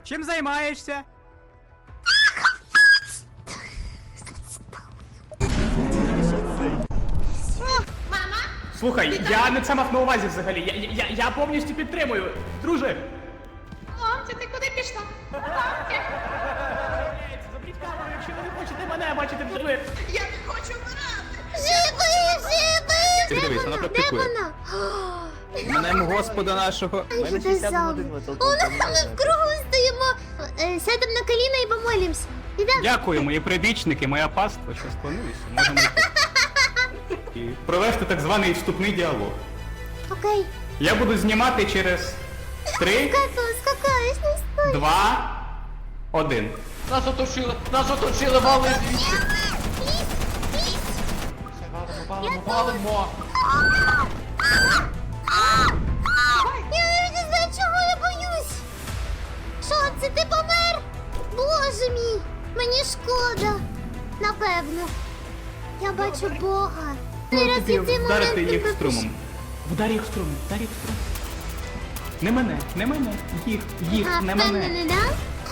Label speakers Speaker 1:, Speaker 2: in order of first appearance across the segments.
Speaker 1: Чим займаєшся? Слухай, я не це мав на увазі взагалі. Я повністю підтримую. Друже!
Speaker 2: Мамця, ти куди пішла?
Speaker 1: Заберіть камеру, якщо ви не хочете мене бачити вживе.
Speaker 2: Я не хочу вмирати.
Speaker 3: Ти дивись, вона практикує. Мене Господа нашого.
Speaker 4: О, ну ми в кругу стоїмо, сядемо на коліна і помолимось. Ідемо.
Speaker 1: Дякую, мої прибічники, моя паства, що склонилися. Можемо йти. І провести так званий вступний діалог.
Speaker 4: Окей.
Speaker 1: Я буду знімати через 3,
Speaker 4: Скакаєш, не стой.
Speaker 1: 2, 1.
Speaker 5: Нас оточили, вали звідси. Валимо.
Speaker 4: Я не знаю, чого я боюсь. Що, це ти помер? Боже мій, мені шкода. Напевно. Я бачу Бога. Зараз і цей
Speaker 1: Вдарити
Speaker 4: момент
Speaker 1: їх
Speaker 4: тебе
Speaker 1: струмом. Вдарь їх струмом, вдарь їх струмом. Не мене, їх,
Speaker 4: А,
Speaker 1: не мене.
Speaker 4: впевнений, да?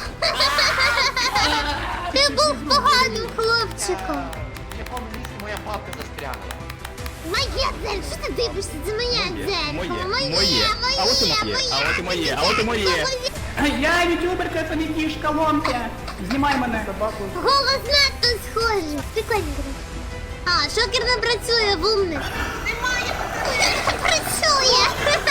Speaker 4: Ти був поганим хлопчиком.
Speaker 5: В якому місці моя папка застрягла?
Speaker 4: Моє дзеркало, що ти дивишся? Це моє дзеркало.
Speaker 1: Моє. А от і моє, а от і моє. Я ютуберка, це не кішка, ломка. Знімай мене.
Speaker 4: Голос надто схожий. Прикольно. А, шокер не працює, вумник.
Speaker 2: Немає.
Speaker 4: Не працює.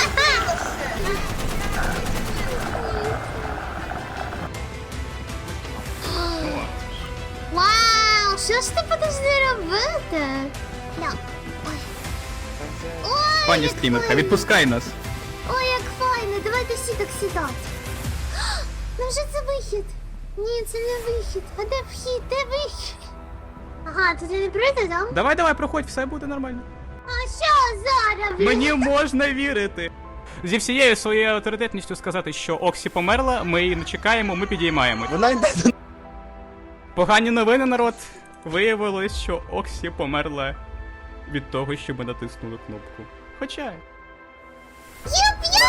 Speaker 4: Вау, що ж ти будеш робити? Да. Ой. Ой,
Speaker 1: Пані
Speaker 4: як
Speaker 1: стрімерка,
Speaker 4: файно.
Speaker 1: відпускай нас.
Speaker 4: Ой, як файно, давайте всі так сідати. Невже це вихід? Ні, це не вихід. А де вхід? Де вихід? Ага, тут не прийти, так?
Speaker 1: Давай, проходь, все буде нормально.
Speaker 4: А що зараз?
Speaker 1: Мені можна вірити. Зі всією своєю авторитетністю сказати, що Оксі померла, ми її не чекаємо, ми підіймаємо.
Speaker 3: Вона йде до...
Speaker 1: Погані новини, народ. Виявилось, що Оксі померла від того, що ми натиснули кнопку. Хоча.
Speaker 4: Є-5!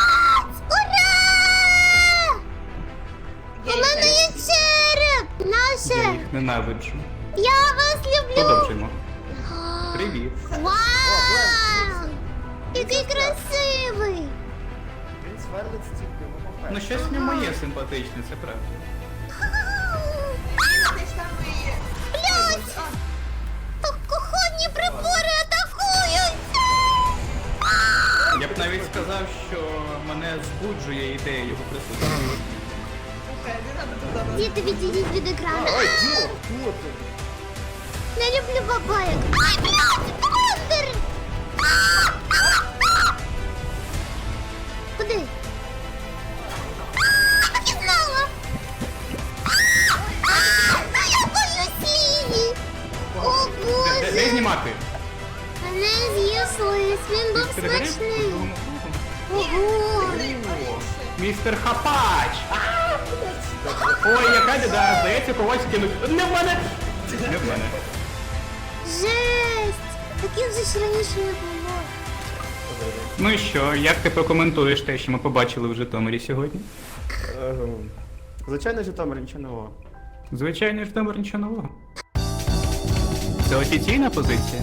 Speaker 4: Ура! У мене є череп!
Speaker 1: Я
Speaker 4: Наше!
Speaker 1: їх ненавиджу.
Speaker 4: Я вас люблю!
Speaker 1: Продовжуємо. Привіт.
Speaker 4: Вау! Який красивий!
Speaker 3: Він сверлить стільки,
Speaker 1: Ну щось в ньому є симпатичне, це правда.
Speaker 2: Десь там і є.
Speaker 4: Блять! Кухонні прибори атакують!
Speaker 1: Я б навіть сказав, що мене збуджує ідея його присутності.
Speaker 2: Слухай, не треба туди.
Speaker 4: Діти, відійдіть від екрану. Не люблю бабаєк. Ай, блядь, Бандер! Куди? Так і знала! Я боюсь Ліні! О,
Speaker 1: Де
Speaker 4: Боже!
Speaker 1: знімати?
Speaker 4: Мене з'їв лис, він був смачний. Ого!
Speaker 1: Містер Хапач! Ой, яка біда, здається, когось кинуть. Не в мене! Не в мене.
Speaker 4: Жесть! Таким же ж раніше не було.
Speaker 1: Ну і що, як ти прокоментуєш те, що ми побачили в Житомирі сьогодні?
Speaker 3: Звичайно, Житомир, нічого нового.
Speaker 1: Звичайно, Житомир нічого нового. Це офіційна позиція?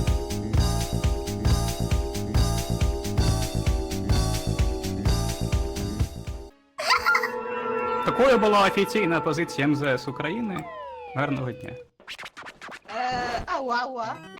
Speaker 1: Такою була офіційна позиція МЗС України. Гарного дня.
Speaker 2: Ауа.